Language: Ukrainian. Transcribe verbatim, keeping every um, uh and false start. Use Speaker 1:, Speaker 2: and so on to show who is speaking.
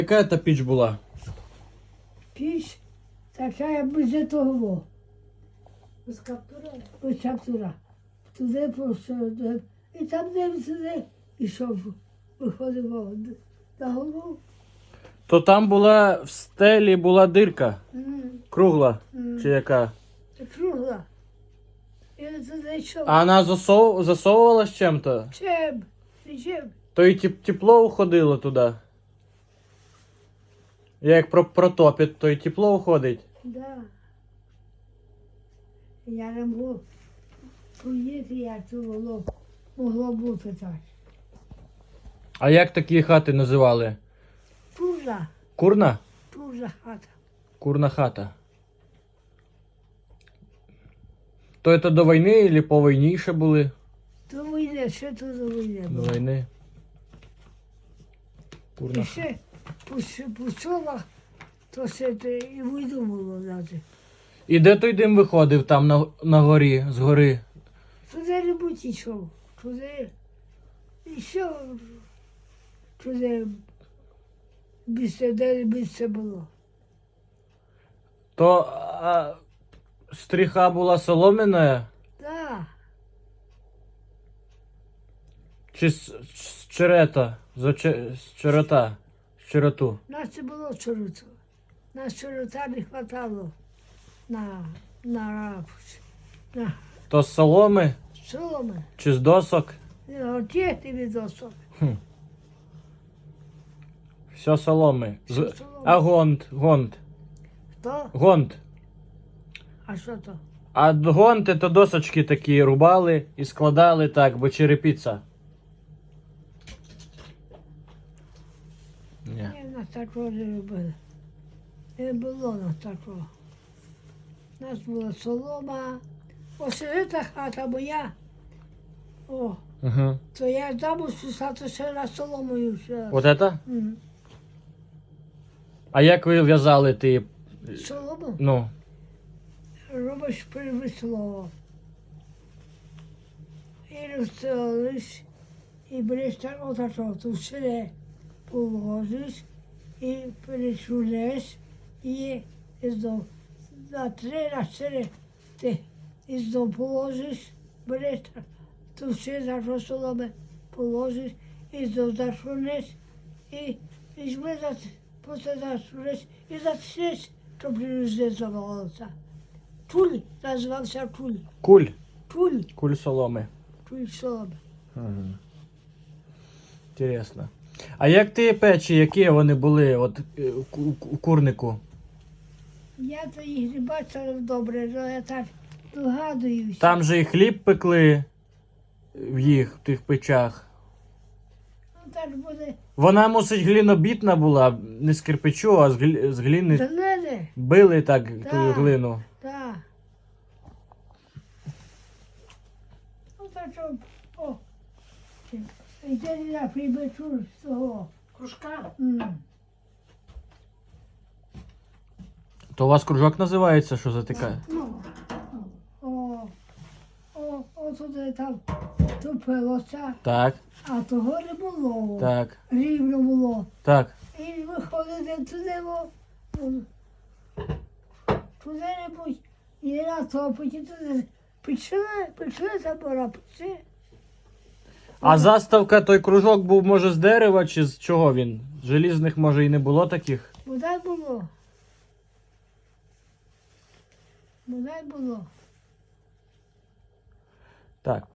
Speaker 1: Яка та піч була?
Speaker 2: Піч така, як без того.
Speaker 3: Без каптура?
Speaker 2: Без каптура. Туди просто, і там дим туди, ішов, виходив на голову.
Speaker 1: То там була в стелі була дирка.
Speaker 2: М,
Speaker 1: Кругла.
Speaker 2: м.
Speaker 1: Чи яка?
Speaker 2: Кругла. І туди йшов.
Speaker 1: А вона засов... засовувалась чим-то?
Speaker 2: Чим? І чим?
Speaker 1: То і теп- тепло уходило туди. Як про протопить, то і тепло уходить.
Speaker 2: Да. Я не можу поїти, як це було, могло бути так.
Speaker 1: А як такі хати називали?
Speaker 2: Пужа,
Speaker 1: Курна?
Speaker 2: пужа хата.
Speaker 1: Курна хата. То це до війни або по війні ще були?
Speaker 2: До війни, ще то до війни
Speaker 1: До
Speaker 2: було.
Speaker 1: війни. Курна
Speaker 2: І
Speaker 1: хата.
Speaker 2: ще по, с- по селах, то ще те і війну було навіть.
Speaker 1: І де той дим виходив там на, на горі, з гори?
Speaker 2: Туди не будь йшов, туди йшов, туди місце, де місце було.
Speaker 1: То а, стріха була солом'яна
Speaker 2: Так,
Speaker 1: чи з, з черета? З, оче- з черета? З черету.
Speaker 2: нас не було чороту. Нас чорота не хватало на, на рапус, на
Speaker 1: То з соломи
Speaker 2: соломи.
Speaker 1: чи з досок?
Speaker 2: Отєти від особ.
Speaker 1: Все соломи. З,
Speaker 2: Все соломи.
Speaker 1: а гонт, гонт,
Speaker 2: Хто?
Speaker 1: гонт.
Speaker 2: А що то?
Speaker 1: А гонти то досочки такі рубали і складали так, бо черепіця. Ні.
Speaker 2: Ні, нас такого не робили. Не було нас такого. У нас була солома. Ось ця хата моя. О,
Speaker 1: Угу.
Speaker 2: то я там списати ще на соломою. Ще.
Speaker 1: Вот это?
Speaker 2: М.
Speaker 1: А як ви в'язали ти?
Speaker 2: Солому
Speaker 1: Ну,
Speaker 2: робиш привисло. І розстелиш, і береш так отако, то все положиш, і перечулеш, і знов на три, на чотири ти і знов положиш, береш так, то все за соломи положиш, і знов зашунеш, і візьми за потім зашунеш, і зачнеш, то не завалося. Туль називався туль.
Speaker 1: куль.
Speaker 2: Туль,
Speaker 1: Куль соломи.
Speaker 2: туль соломи.
Speaker 1: Угу. Інтересно. А як ті печі, які вони були от, е, у ку- у курнику?
Speaker 2: Я то їх не бачила добре, але я так догадуюся.
Speaker 1: Там же і хліб пекли в їх, в тих печах.
Speaker 2: Ну так буде
Speaker 1: Вона, мусить, глінобітна була, не з кирпичу, а з, глі... з гліни.
Speaker 2: зелене,
Speaker 1: Били так ту
Speaker 2: Так.
Speaker 1: глину.
Speaker 2: так. Ну так що, о, йде я прибачу з того.
Speaker 3: Кружка?
Speaker 2: М.
Speaker 1: То у вас кружок називається, що за така?
Speaker 2: Ну, о, о, о, туди там топилося,
Speaker 1: Так,
Speaker 2: а того не було.
Speaker 1: так,
Speaker 2: Рівно було.
Speaker 1: так.
Speaker 2: І виходити туди, бо ну, куди-небудь і на топоті туди. Пішли, пішли забора, пішли.
Speaker 1: А заставка, той кружок був, може, з дерева чи з чого він? Желізних, може, і не було таких?
Speaker 2: Бодай було. Бодай було.
Speaker 1: Так,